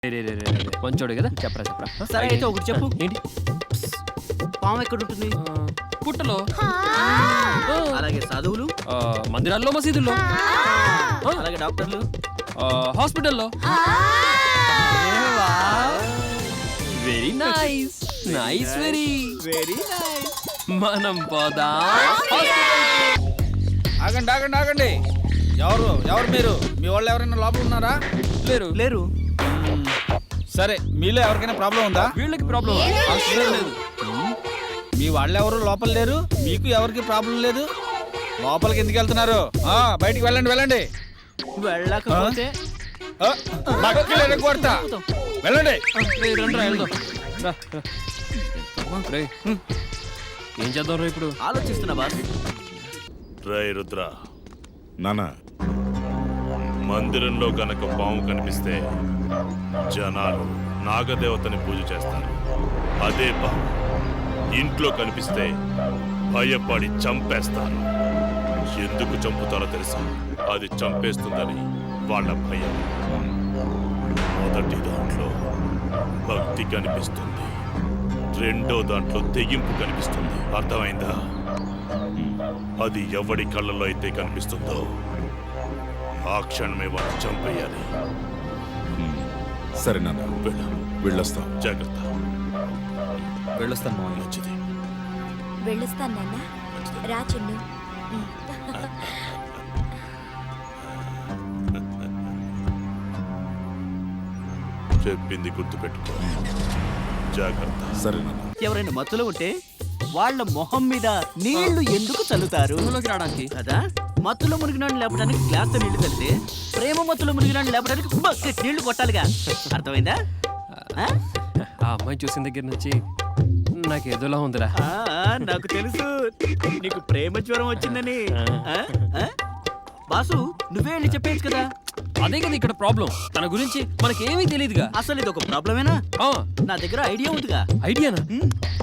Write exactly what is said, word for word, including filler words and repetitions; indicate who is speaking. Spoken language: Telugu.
Speaker 1: మంచోడు కదా, చెప్పరా చెప్పరా.
Speaker 2: సరే అయితే ఒకటి చెప్పు.
Speaker 1: ఏంటి?
Speaker 2: పాము ఎక్కడ ఉంటుంది?
Speaker 1: పుట్టలో.
Speaker 2: అలాగే సాధువులు?
Speaker 1: మందిరాల్లో, మసీదుల్లో.
Speaker 2: అలాగే డాక్టర్లు?
Speaker 1: హాస్పిటల్లో. Very nice, nice, very
Speaker 2: very nice.
Speaker 1: మనం పోదా.
Speaker 3: ఆగండి ఆగండి ఆగండి. ఎవరు ఎవరు మీరు? మీ వాళ్ళు ఎవరైనా లోపల ఉన్నారా?
Speaker 1: లేరు
Speaker 2: లేరు.
Speaker 3: సరే, మీలో ఎవరికైనా ప్రాబ్లం ఉందా?
Speaker 1: వీళ్ళకి ప్రాబ్లం లేదు.
Speaker 3: మీ వాళ్ళు ఎవరు లోపల లేరు, మీకు ఎవరికి ప్రాబ్లం లేదు. లోపలికి ఎందుకు వెళ్తున్నారు? ఆ బయటికి వెళ్ళండి వెళ్ళండి.
Speaker 2: వెళ్ళకపోతే
Speaker 3: ఆ, నక్కిలు ఎరగొడతా. వెళ్ళండి.
Speaker 1: ఏం చేద్దాం రా ఇప్పుడు?
Speaker 2: ఆలోచిస్తున్నా బాస్.
Speaker 4: రై రుద్ర,
Speaker 5: నానా
Speaker 4: మందిరంలో గనక పాము కనిపిస్తే జనాలు నాగదేవతని పూజ చేస్తారు. అదే పాము ఇంట్లో కనిపిస్తే భయపడి చంపేస్తారు. ఎందుకు చంపుతారో తెలుసా? అది చంపేస్తుందని వాళ్ళ భయం. మొదటి దాంట్లో భక్తి కనిపిస్తుంది, రెండో దాంట్లో తెగింపు కనిపిస్తుంది. అర్థమైందా? అది ఎవడి కళ్ళలో అయితే కనిపిస్తుందో ఆ క్షణమే వాడిని చంపేయాలి.
Speaker 5: సరే నాన్న,
Speaker 4: వెళ్ళు.
Speaker 5: వెళ్ళొస్తాం.
Speaker 4: జాగ్రత్త.
Speaker 3: వెళ్ళొస్తాను మామయ్య.
Speaker 4: మంచిది.
Speaker 6: వెళ్ళొస్తాను నాన్న. రా చిన్ను.
Speaker 4: చెప్పింది గుర్తుపెట్టుకో. జాగ్రత్త.
Speaker 5: సరే నాన్న.
Speaker 2: ఎవరైనా మత్తులో ఉంటే వాళ్ళ మొహం మీద నీళ్లు ఎందుకు చల్లుతారు?
Speaker 1: రావడానికి
Speaker 2: కదా. మత్తులో మునిగినాన్ని లేపడానికి గ్లాస్ తో నీళ్లు చల్లితే, ప్రేమ మత్తులో మునిగినాన్ని లేపడానికి బకెట్ నీళ్లు కొట్టాలిగా. అర్థమైందా? ఆ?
Speaker 1: ఆ అమ్మాయి చూసిన దగ్గర నుంచి నాకు ఏదోలా ఉందిరా.
Speaker 2: ఆ, నాకు తెలుసు నీకు ప్రేమ జ్వరం వచ్చిందని. ఆ? ఆ? బాసు, నువ్వే వెళ్ళి చెప్పేయచ్చు కదా.
Speaker 1: అదే కదా ఇక్కడ ప్రాబ్లం. తన గురించి మనకేమీ తెలియదుగా.
Speaker 2: అసలు ఇది ఒక ప్రాబ్లమేనా? నా దగ్గర ఐడియా ఉందిగా.
Speaker 1: ఐడియానా?
Speaker 2: ఉమ్,